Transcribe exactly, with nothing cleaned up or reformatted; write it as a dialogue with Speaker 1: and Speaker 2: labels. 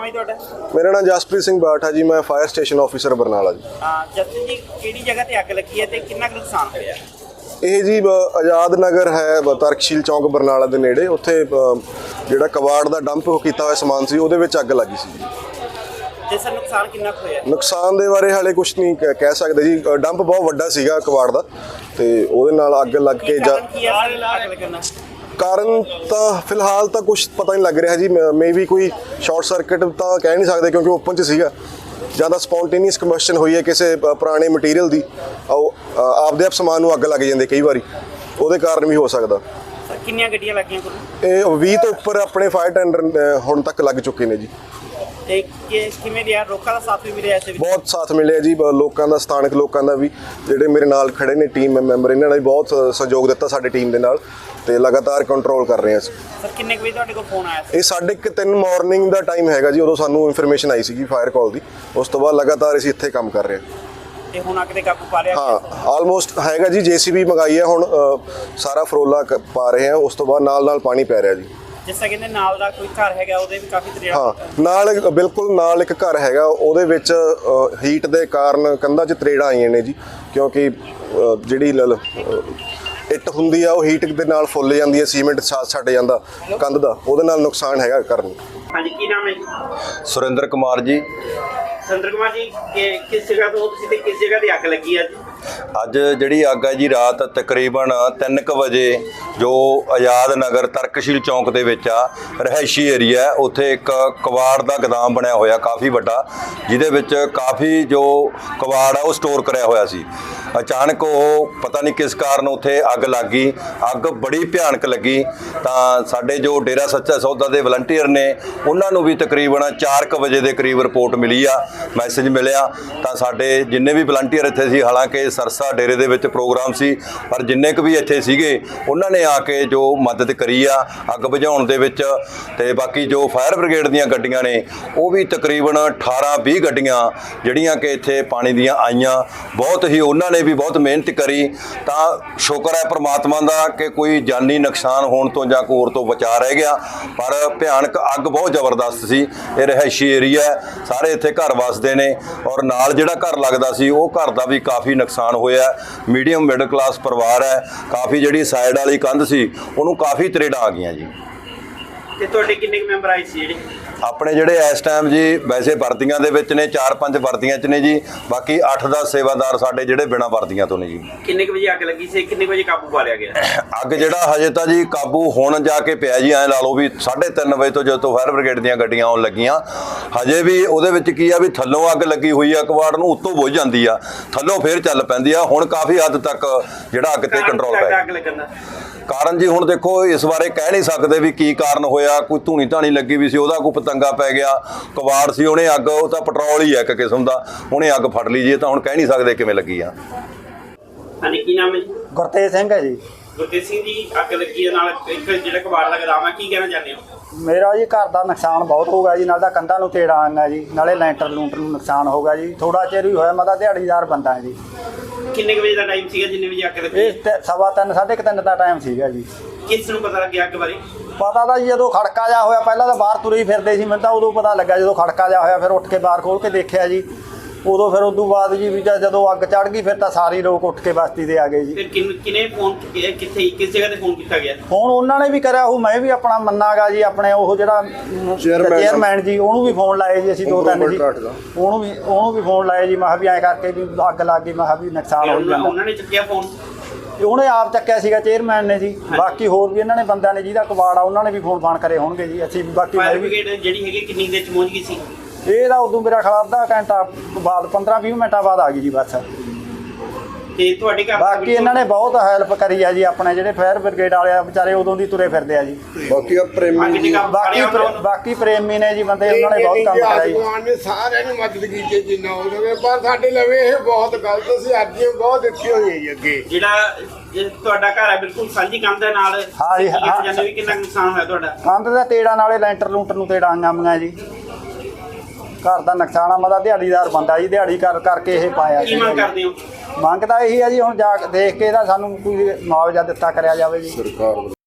Speaker 1: है ਤੁਹਾਡਾ?
Speaker 2: मेरा नाम जसप्रीत सिंह बाठ है जी। मैं fire station officer Barnala ji.
Speaker 1: Jaspreet ji ਕਿਹੜੀ ਜਗ੍ਹਾ ਤੇ ਅੱਗ ਲੱਗੀ ਹੈ ਤੇ ਕਿੰਨਾ ਕੁ ਨੁਕਸਾਨ ਹੋਇਆ?
Speaker 2: ਇਹ ਜੀ ਆਜ਼ਾਦ ਨਗਰ ਹੈ ਤਰਕਸ਼ੀਲ ਚੌਂਕ ਬਰਨਾਲਾ ਦੇ ਨੇੜੇ। ਉੱਥੇ ਜਿਹੜਾ ਕਬਾੜ ਦਾ ਡੰਪ ਕੀਤਾ ਹੋਇਆ ਸਮਾਨ ਸੀ ਉਹਦੇ ਵਿੱਚ ਅੱਗ ਲੱਗੀ ਸੀ ਜੀ।
Speaker 1: ਤੇ ਸਰ ਨੁਕਸਾਨ ਕਿੰਨਾ ਕੁ ਹੋਇਆ?
Speaker 2: ਨੁਕਸਾਨ ਦੇ ਬਾਰੇ ਹਾਲੇ ਕੁਝ ਨਹੀਂ ਕਹਿ ਸਕਦੇ ਜੀ। ਡੰਪ ਬਹੁਤ ਵੱਡਾ ਸੀਗਾ ਕਬਾੜ ਦਾ ਤੇ ਉਹਦੇ ਨਾਲ ਅੱਗ ਲੱਗ ਕੇ ਜਾ ਕਾਰਨ ਤਾਂ ਫਿਲਹਾਲ ਤਾਂ ਕੁਝ ਪਤਾ ਨਹੀਂ ਲੱਗ ਰਿਹਾ ਜੀ। ਮੇ ਵੀ ਕੋਈ ਸ਼ਾਰਟ ਸਰਕਟ ਤਾਂ ਕਹਿ ਨਹੀਂ ਸਕਦੇ ਕਿਉਂਕਿ ਓਪਨ 'ਚ ਸੀਗਾ। ਜਾਂ ਤਾਂ ਸਪੌਂਟੇਨੀਅਸ ਕੰਬਸ਼ਨ ਹੋਈ ਹੈ ਕਿਸੇ ਪੁਰਾਣੇ ਮਟੀਰੀਅਲ ਦੀ, ਆਪਦੇ ਆਪ ਸਮਾਨ ਨੂੰ ਅੱਗ ਲੱਗ ਜਾਂਦੇ ਕਈ ਵਾਰੀ, ਉਹਦੇ ਕਾਰਨ ਵੀ ਹੋ ਸਕਦਾ।
Speaker 1: ਕਿੰਨੀਆਂ ਗੱਡੀਆਂ ਲੱਗੀਆਂ ਕੋਲ?
Speaker 2: ਇਹ ਵੀਹ ਤੋਂ ਉੱਪਰ ਆਪਣੇ ਫਾਇਰ ਟੈਂਡਰ ਹੁਣ ਤੱਕ ਲੱਗ ਚੁੱਕੇ ਨੇ ਜੀ।
Speaker 1: ਤੇ ਕਿਵੇਂ ਰਿਹਾ? ਲੋਕਾਂ ਦਾ ਸਾਥ ਵੀ ਮਿਲਿਆ ਇਸ ਵਿੱਚ? ਬਹੁਤ
Speaker 2: ਸਾਥ ਮਿਲਿਆ ਜੀ ਲੋਕਾਂ ਦਾ, ਸਥਾਨਕ ਲੋਕਾਂ ਦਾ ਵੀ। ਜਿਹੜੇ ਮੇਰੇ ਨਾਲ ਖੜੇ ਨੇ ਟੀਮ ਮੈਂਬਰ, ਇਹਨਾਂ ਨੇ ਵੀ ਬਹੁਤ ਸਹਿਯੋਗ ਦਿੱਤਾ ਸਾਡੀ ਟੀਮ ਦੇ ਨਾਲ ਤੇ ਲਗਾਤਾਰ ਕੰਟਰੋਲ ਕਰ ਰਹੇ ਹਾਂ ਅਸੀਂ।
Speaker 1: ਸਰ ਕਿੰਨੇ ਵਜੇ ਤੁਹਾਡੇ ਕੋਲ ਫੋਨ ਆਇਆ ਸੀ?
Speaker 2: ਇਹ ਸਾਢੇ ਕੁ ਤਿੰਨ ਮਾਰਨਿੰਗ ਦਾ ਟਾਈਮ ਹੈਗਾ ਜੀ। ਉਦੋਂ ਸਾਨੂੰ ਇਨਫੋਰਮੇਸ਼ਨ ਆਈ ਸੀਗੀ ਫਾਇਰ ਕਾਲ ਦੀ। ਉਸ ਤੋਂ ਬਾਅਦ ਲਗਾਤਾਰ ਅਸੀਂ ਇੱਥੇ ਕੰਮ ਕਰ ਰਹੇ ਹਾਂ।
Speaker 1: ਤੇ ਹੁਣ ਅੱਗ ਤੇ ਕਾਬੂ ਪਾ ਲਿਆ?
Speaker 2: ਹਾਂ ਆਲਮੋਸਟ ਹੈਗਾ ਜੀ। ਜੇਸੀਬੀ ਮੰਗਾਈ ਹੈ, ਹੁਣ ਸਾਰਾ ਫਰੋਲਾ ਪਾ ਰਹੇ ਹਾਂ। ਉਸ ਤੋਂ ਬਾਅਦ ਨਾਲ ਨਾਲ ਪਾਣੀ ਪੈ ਰਿਹਾ ਜੀ।
Speaker 1: ਜਿਸ ਤਰ੍ਹਾਂ ਕਹਿੰਦੇ ਨਾਲ ਦਾ ਕੋਈ ਘਰ ਹੈਗਾ ਉਹਦੇ ਵੀ ਕਾਫੀ ਤਰੇੜਾ?
Speaker 2: ਹਾਂ ਨਾਲ ਬਿਲਕੁਲ ਨਾਲ ਇੱਕ ਘਰ ਹੈਗਾ, ਉਹਦੇ ਵਿੱਚ ਹੀਟ ਦੇ ਕਾਰਨ ਕੰਧਾਂ 'ਚ ਤਰੇੜਾਂ ਆਈਆਂ ਨੇ ਜੀ। ਕਿਉਂਕਿ ਜਿਹੜੀ ਇੱਟ ਹੁੰਦੀ ਆ ਉਹ ਹੀਟ ਦੇ ਨਾਲ ਫੁੱਲ ਜਾਂਦੀ ਹੈ, ਸੀਮੈਂਟ ਛੱਡ ਛੱਡ ਜਾਂਦਾ ਕੰਧ ਦਾ, ਉਹਦੇ ਨਾਲ ਨੁਕਸਾਨ ਹੈਗਾ ਘਰ ਨੂੰ।
Speaker 1: ਹਾਂਜੀ ਕੀ ਨਾਮ ਹੈ ਜੀ?
Speaker 3: ਸੁਰਿੰਦਰ ਕੁਮਾਰ ਜੀ।
Speaker 1: ਸੁਰਿੰਦਰ ਕੁਮਾਰ ਜੀ ਕਿਸ ਜਗ੍ਹਾ ਤੋਂ ਤੁਸੀਂ ਤੇ ਕਿਸ ਜਗ੍ਹਾ ਤੇ ਅੱਗ ਲੱਗੀ ਅੱਜ?
Speaker 3: ਅੱਜ ਜਿਹੜੀ ਅੱਗ ਹੈ ਜੀ ਰਾਤ ਤਕਰੀਬਨ ਤਿੰਨ ਕੁ ਵਜੇ ਜੋ ਆਜ਼ਾਦ ਨਗਰ ਤਰਕਸ਼ੀਲ ਚੌਂਕ ਦੇ ਵਿੱਚ ਆ ਰਿਹਾਇਸ਼ੀ ਏਰੀਆ ਹੈ, ਉੱਥੇ ਇੱਕ ਕਬਾੜ ਦਾ ਗੋਦਾਮ ਬਣਿਆ ਹੋਇਆ ਕਾਫੀ ਵੱਡਾ, ਜਿਹਦੇ ਵਿੱਚ ਕਾਫੀ ਜੋ ਕਬਾੜ ਆ ਉਹ ਸਟੋਰ ਕਰਿਆ ਹੋਇਆ ਸੀ। ਅਚਾਨਕ ਉਹ ਪਤਾ ਨਹੀਂ ਕਿਸ ਕਾਰਨ ਉੱਥੇ ਅੱਗ ਲੱਗ ਗਈ। ਅੱਗ ਬੜੀ ਭਿਆਨਕ ਲੱਗੀ ਤਾਂ ਸਾਡੇ ਜੋ ਡੇਰਾ ਸੱਚਾ ਸੌਦਾ ਦੇ ਵਲੰਟੀਅਰ ਨੇ ਉਹਨਾਂ ਨੂੰ ਵੀ ਤਕਰੀਬਨ ਚਾਰ ਕੁ ਵਜੇ ਦੇ ਕਰੀਬ ਰਿਪੋਰਟ ਮਿਲੀ ਆ, ਮੈਸੇਜ ਮਿਲਿਆ। ਤਾਂ ਸਾਡੇ ਜਿੰਨੇ ਵੀ ਵਲੰਟੀਅਰ ਇੱਥੇ ਸੀ, ਹਾਲਾਂਕਿ ਸਰਸਾ ਡੇਰੇ ਦੇ ਵਿੱਚ ਪ੍ਰੋਗਰਾਮ ਸੀ, ਪਰ ਜਿੰਨੇ ਕੁ ਵੀ ਇੱਥੇ ਸੀਗੇ ਉਹਨਾਂ ਨੇ ਆ ਕੇ ਜੋ ਮਦਦ ਕਰੀ ਆ ਅੱਗ ਬੁਝਾਉਣ ਦੇ ਵਿੱਚ। ਤੇ ਬਾਕੀ ਜੋ ਫਾਇਰ ਬ੍ਰਿਗੇਡ ਦੀਆਂ ਗੱਡੀਆਂ ਨੇ ਉਹ ਵੀ ਤਕਰੀਬਨ ਅਠਾਰਾਂ ਵੀਹ ਗੱਡੀਆਂ ਜਿਹੜੀਆਂ ਕਿ ਇੱਥੇ ਪਾਣੀ ਦੀਆਂ ਆਈਆਂ, ਬਹੁਤ ਹੀ ਉਹਨਾਂ ਨੇ ਵੀ ਬਹੁਤ ਮਿਹਨਤ ਕਰੀ। ਤਾਂ ਸ਼ੁਕਰ ਹੈ ਪ੍ਰਮਾਤਮਾ ਦਾ ਕਿ ਕੋਈ ਜਾਨੀ ਨੁਕਸਾਨ ਹੋਣ ਤੋਂ ਜਾਂ ਕੋਈ ਹੋਰ ਤੋਂ ਬਚਾ ਰਹਿ ਗਿਆ। ਪਰ ਭਿਆਨਕ ਅੱਗ ਬਹੁਤ ਜ਼ਬਰਦਸਤ ਸੀ। ਇਹ ਰਿਹਾਇਸ਼ੀ ਏਰੀਆ, ਸਾਰੇ ਇੱਥੇ ਘਰ ਵਸਦੇ ਨੇ ਔਰ ਨਾਲ ਜਿਹੜਾ ਘਰ ਲੱਗਦਾ ਸੀ ਉਹ ਘਰ ਦਾ ਵੀ ਕਾਫੀ ਨੁਕਸਾਨ ਹੋਇਆ। ਮੀਡੀਅਮ ਮਿਡਲ ਕਲਾਸ ਪਰਿਵਾਰ ਹੈ। ਕਾਫੀ ਜਿਹੜੀ ਸਾਈਡ ਵਾਲੀ ਕੰਧ ਸੀ ਉਹਨੂੰ ਕਾਫੀ ਤਰੇੜਾਂ ਆ ਗਈਆਂ ਜੀ।
Speaker 1: ਤੇ ਤੁਹਾਡੇ ਕਿੰਨੇ ਮੈਂਬਰ ਆਏ ਸੀ ਜਿਹੜੇ?
Speaker 3: ਆਪਣੇ ਜਿਹੜੇ ਇਸ ਟਾਈਮ ਜੀ ਵੈਸੇ ਵਰਦੀਆਂ ਦੇ ਵਿੱਚ ਨੇ, ਚਾਰ ਪੰਜ ਵਰਦੀਆਂ 'ਚ ਨੇ ਜੀ। ਬਾਕੀ ਅੱਠ ਦਸ ਸੇਵਾਦਾਰ ਸਾਡੇ ਜਿਹੜੇ ਬਿਨਾਂ ਵਰਦੀਆਂ ਤੋਂ ਨੇ ਜੀ।
Speaker 1: ਕਿੰਨੇ ਕੁ ਵਜੇ ਅੱਗ ਲੱਗੀ ਸੀ? ਕਿੰਨੇ ਵਜੇ ਕਾਬੂ ਪਾ ਲਿਆ ਗਿਆ?
Speaker 3: ਅੱਗ ਜਿਹੜਾ ਹਜੇ ਤਾਂ ਜੀ ਕਾਬੂ ਹੁਣ ਜਾ ਕੇ ਪਿਆ ਜੀ। ਐਂ ਲਾ ਲਓ ਵੀ ਸਾਢੇ ਤਿੰਨ ਵਜੇ ਤੋਂ ਜਦੋਂ ਤੋਂ ਫਾਇਰ ਬ੍ਰਿਗੇਡ ਦੀਆਂ ਗੱਡੀਆਂ ਆਉਣ ਲੱਗੀਆਂ, ਹਜੇ ਵੀ ਉਹਦੇ ਵਿੱਚ ਕੀ ਆ ਵੀ ਥੱਲੋਂ ਅੱਗ ਲੱਗੀ ਹੋਈ ਆ ਕਬਾੜ ਨੂੰ, ਉੱਤੋਂ ਬੁਝ ਜਾਂਦੀ ਆ, ਥੱਲੋਂ ਫੇਰ ਚੱਲ ਪੈਂਦੀ ਆ। ਹੁਣ ਕਾਫੀ ਹੱਦ ਤੱਕ ਜਿਹੜਾ ਅੱਗ ਤੇ ਕੰਟਰੋਲ ਪੈ ਗਿਆ। ਕਾਰਨ ਜੀ ਹੁਣ ਦੇਖੋ ਇਸ ਬਾਰੇ ਕਹਿ ਨਹੀਂ ਸਕਦੇ ਵੀ ਕੀ ਕਾਰਨ ਹੋਇਆ। ਕੋਈ ਧੂਣੀ ਧਾਣੀ ਲੱਗੀ ਵੀ ਸੀ, ਉਹਦਾ ਕੋਈ ਪਤੰਗਾ ਪੈ ਗਿਆ। ਕਬਾੜ ਸੀ, ਉਹਨੇ ਅੱਗ, ਉਹ ਤਾਂ ਪੈਟਰੋਲ ਹੀ ਹੈ ਇੱਕ ਕਿਸਮ ਦਾ, ਉਹਨੇ ਅੱਗ ਫੜ ਲਈ ਜੀ। ਇਹ ਤਾਂ ਹੁਣ ਕਹਿ ਨਹੀਂ ਸਕਦੇ ਕਿਵੇਂ ਲੱਗੀ ਆ।
Speaker 1: ਹਾਂਜੀ ਕੀ ਨਾਮ ਹੈ ਜੀ?
Speaker 4: ਗੁਰਤੇਜ ਸਿੰਘ ਹੈ ਜੀ।
Speaker 1: ਗੁਰਤੇਜ ਸਿੰਘ ਜੀ ਅੱਗ ਲੱਗੀ ਦੇ ਨਾਲ ਇੱਕ ਜਿਹੜਾ ਕਬਾੜ ਦਾ ਗੋਦਾਮ ਹੈ, ਕੀ ਕਹਿਣਾ ਚਾਹੁੰਦੇ ਹੋ?
Speaker 4: ਮੇਰਾ ਜੀ ਘਰ ਦਾ ਨੁਕਸਾਨ ਬਹੁਤ ਹੋ ਗਿਆ ਜੀ। ਨਾਲ ਤਾਂ ਕੰਧਾਂ ਨੂੰ ਤੇੜਾ ਆਈਆਂ ਜੀ, ਨਾਲੇ ਲੈਂਟਰ ਲੂੰਟਰ ਨੂੰ ਨੁਕਸਾਨ ਹੋ ਗਿਆ ਜੀ। ਥੋੜਾ ਚਿਰ ਹੀ ਹੋਇਆ, ਮੈਂ ਤਾਂ ਦਿਹਾੜੀਦਾਰ ਬੰਦਾ ਹਾਂ ਜੀ।
Speaker 1: ਕਿੰਨੇ ਵਜੇ ਦਾ ਟਾਈਮ ਸੀਗਾ ਜਿੰਨੇ ਵਜੇ ਅੱਗ ਲੱਗੀ?
Speaker 4: ਇਹ ਸਵਾ ਤਿੰਨ ਸਾਢੇ ਕੁ ਤਿੰਨ ਦਾ ਟਾਈਮ ਸੀਗਾ ਜੀ।
Speaker 1: ਕਿਸ ਨੂੰ ਪਤਾ ਲੱਗਿਆ ਅੱਗ ਬਾਰੇ?
Speaker 4: ਪਤਾ ਤਾਂ ਜੀ ਜਦੋਂ ਖੜਕਾ ਜਾ ਹੋਇਆ, ਪਹਿਲਾਂ ਤਾਂ ਬਾਹਰ ਤੁਰੇ ਫਿਰਦੇ ਸੀ, ਮੈਨੂੰ ਤਾਂ ਉਦੋਂ ਪਤਾ ਲੱਗਾ ਜਦੋਂ ਖੜਕਾ ਜਾ ਹੋਇਆ। ਫਿਰ ਉੱਠ ਕੇ ਬਾਹਰ ਖੋਲ੍ਹ ਕੇ ਦੇਖਿਆ ਜੀ, ਉਦੋਂ ਫਿਰ ਉਦੋਂ ਬਾਅਦ ਜੀ ਵੀ ਜਦੋਂ ਅੱਗ ਚੜ੍ਹ ਗਈ ਫਿਰ ਤਾਂ ਸਾਰੇ ਲੋਕ ਉੱਠ ਕੇ ਬਸਤੀ ਦੇ ਆ ਗਏ ਜੀ।
Speaker 1: ਫਿਰ ਕਿਨੇ ਫੋਨ ਕਿੱਥੇ ਕਿਸ ਜਗ੍ਹਾ ਤੇ ਫੋਨ ਕੀਤਾ ਗਿਆ?
Speaker 4: ਫੋਨ ਉਹਨਾਂ ਨੇ ਵੀ ਕਰਿਆ, ਉਹ ਮੈਂ ਵੀ ਆਪਣਾ ਮੰਨਾਗਾ ਜੀ, ਆਪਣੇ ਉਹ ਜਿਹੜਾ ਚੇਅਰਮੈਨ ਜੀ ਉਹਨੂੰ ਵੀ ਫੋਨ ਲਾਏ ਜੀ ਅਸੀਂ ਦੋ ਤਿੰਨ ਜੀ। ਉਹਨੂੰ ਵੀ ਉਹਨੂੰ ਵੀ ਫੋਨ ਲਾਏ ਜੀ। ਮੈਂ ਕਿਹਾ ਵੀ ਐਂ ਕਰਕੇ ਵੀ ਅੱਗ ਲੱਗ ਗਈ, ਮੈਂ ਕਿਹਾ ਵੀ ਨੁਕਸਾਨ ਹੋ ਜਾਂਦਾ।
Speaker 1: ਉਹਨਾਂ ਨੇ ਚੁੱਕਿਆ ਫੋਨ?
Speaker 4: ਉਹਨੇ ਆਪ ਚੱਕਿਆ ਸੀਗਾ ਚੇਅਰਮੈਨ ਨੇ ਜੀ। ਬਾਕੀ ਹੋਰ ਵੀ ਇਹਨਾਂ ਨੇ ਬੰਦਿਆਂ ਨੇ ਜਿਹਦਾ ਕਬਾੜ ਆ ਉਹਨਾਂ ਨੇ ਵੀ ਫੋਨ ਫਾਨ ਕਰੇ ਹੋਣਗੇ ਜੀ। ਅਸੀਂ ਬਾਕੀ
Speaker 1: ਫਾਇਰ ਬ੍ਰਿਗੇਡ ਜਿਹੜੀ ਹੈਗੀ ਕਿੰਨੀ ਦੇਰ ਚ ਪਹੁੰਚ ਗਈ ਸੀ?
Speaker 4: ਇਹ ਤਾਂ ਉਦੋਂ ਮੇਰਾ ਖਿਆਲ ਅੱਧਾ ਘੰਟਾ ਬਾਅਦ ਪੰਦਰਾਂ ਵੀਹ ਮਿੰਟਾਂ ਬਾਅਦ ਆ ਗਈ ਜੀ ਬਸ।
Speaker 1: ਤੇ ਤੁਹਾਡੇ ਘਰ
Speaker 4: ਬਾਕੀ ਇਹਨਾਂ ਨੇ ਬਹੁਤ ਹੈਲਪ ਕਰੀ ਆ ਜੀ। ਆਪਣੇ ਜਿਹੜੇ ਫਾਇਰ ਬ੍ਰਿਗੇਡ ਵਾਲੇ ਆ ਵਿਚਾਰੇ ਉਦੋਂ ਦੀ ਤੁਰੇ ਫਿਰਦੇ ਆ ਜੀ।
Speaker 2: ਬਾਕੀ ਪ੍ਰੇਮੀ
Speaker 4: ਬਾਕੀ ਬਾਕੀ ਪ੍ਰੇਮੀ ਨੇ ਜੀ ਬੰਦੇ, ਉਹਨਾਂ ਨੇ ਬਹੁਤ ਕੰਮ ਕਰਿਆ ਜੀ।
Speaker 5: ਭਗਵਾਨ ਨੇ ਸਾਰਿਆਂ ਨੂੰ ਮਦਦ ਕੀਤੀ ਜਿੰਨਾ ਹੋ ਸਕੇ, ਪਰ ਸਾਡੇ ਲਵੇ ਇਹ ਬਹੁਤ ਗਲਤ ਸੀ। ਅੱਜ ਇਹ ਬਹੁਤ ਦਿੱਤੀ ਹੋਈ ਹੈ ਜੀ। ਅੱਗੇ
Speaker 1: ਜਿਹੜਾ ਤੁਹਾਡਾ ਘਰ ਹੈ ਬਿਲਕੁਲ ਸਾਂਝੀ ਕੰਧ ਦੇ ਨਾਲ,
Speaker 4: ਹਾਂ ਜੀ।
Speaker 1: ਜਾਨੇ ਵੀ ਕਿੰਨਾ ਨੁਕਸਾਨ ਹੋਇਆ ਤੁਹਾਡਾ?
Speaker 4: ਕੰਧ ਦਾ ਤੇੜਾ ਨਾਲੇ ਲੈਂਟਰ ਲੂੰਟਰ ਨੂੰ ਤੇੜਾ ਆਈਆਂ ਜੀ। ਘਰ ਦਾ ਨੁਕਸਾਨ ਆ। ਮੈਂ ਤਾਂ ਦਿਹਾੜੀਦਾਰ ਬੰਦਾ ਜੀ, ਦਿਹਾੜੀ ਕਰ ਕਰਕੇ ਇਹ ਪਾਇਆ।
Speaker 1: ਕੀ ਮੰਗ ਕਰਦੇ ਹੋ?
Speaker 4: ਮੰਗ ਤਾਂ ਇਹੀ ਹੈ ਜੀ, ਹੁਣ ਜਾ ਕੇ ਦੇਖ ਕੇ ਇਹਦਾ ਸਾਨੂੰ ਕੋਈ ਮੁਆਵਜ਼ਾ ਦਿੱਤਾ ਕਰਿਆ ਜਾਵੇ ਜੀ ਸਰਕਾਰ।